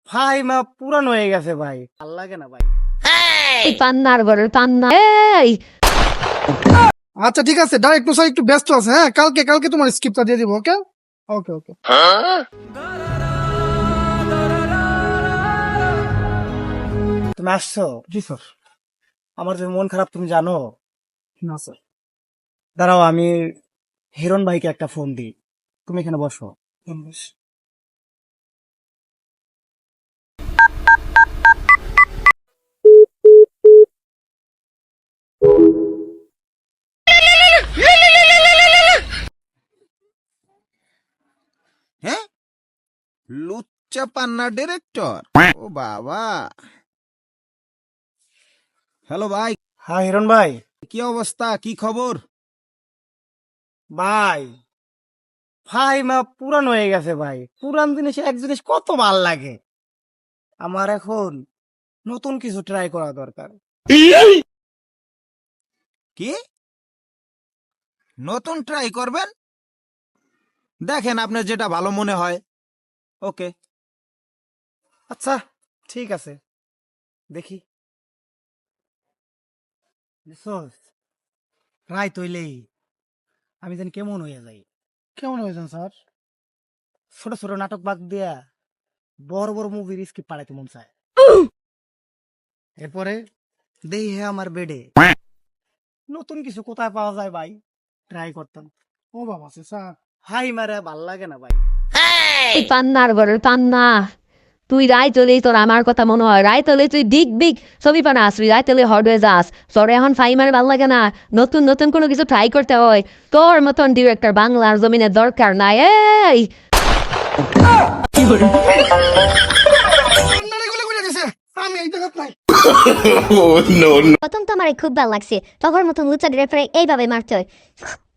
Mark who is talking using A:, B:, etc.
A: ভাই মা পুরান হয়ে গেছে ভাই, ভাল লাগে না ভাই।
B: এই পান্নার ঘরের পান্না এই
C: আচ্ছা ঠিক আছে, ডাইরেক্ট স্যার একটু ব্যস্ত আছে। হ্যাঁ, কালকে কালকে তোমার স্ক্রিপ্টটা দিয়ে দিব। ওকে ওকে ওকে।
A: তুমি আসছো?
C: জি স্যার।
A: আমার যে মন খারাপ তুমি জানো।
C: না স্যার।
A: দাঁড়াও, আমি হিরণ ভাইকে একটা ফোন দিই, তুমি এখানে বসো।
D: হ্যাঁ, লুচ্চা পান্না ডিরেক্টর। ও বাবা। হ্যালো ভাই,
A: হ্যাঁ হিরণ ভাই।
D: কি অবস্থা, কি খবর?
A: ভাই ভাই মা পুরান হয়ে গেছে ভাই, পুরান জিনিস এক জিনিস কত ভাল লাগে। আমার এখন নতুন কিছু ট্রাই করা দরকার।
D: কি নতুন ট্রাই করবেন? দেখেন আপনার যেটা ভালো মনে হয়। ওকে।
A: আচ্ছা ঠিক আছে, দেখি। রায় তৈলেই আমি জানি কেমন হয়ে যাই।
C: কেমন হয়েছেন স্যার?
A: ছোট ছোট নাটক বাদ দিয়া বড় বড় মুভির স্ক্রিপ্ট পাঠাইতে মন চায়। এরপরে দেই হে আমার বেডে নতুন কিছু কোথায় পাওয়া যায় ভাই, ট্রাই করতাম।
C: ও বাবা স্যার।
A: হাই মারে ভাল লাগে না ভাই।
B: এই পান্নার ঘরের পান্না তুই রায় চলেই তোর আমার কথা মনে হয় রায় চলে তুই দিক বিগ ছবি পানা আসবি রায় চলে হট হয়ে যাস তোর এখন ফাইমার ভাল লাগে না নতুন নতুন কোনো কিছু ট্রাই করতে হয় তোর মতন ডিরেক্টর বাংলার জমিনে দরকার নাই এই
C: আমি এই জায়গাত নাই।
E: প্রথম তো আমার খুব ভালো লাগছে তখন মতন লুচা ডিরেক্টরে এইভাবে মারতে হয়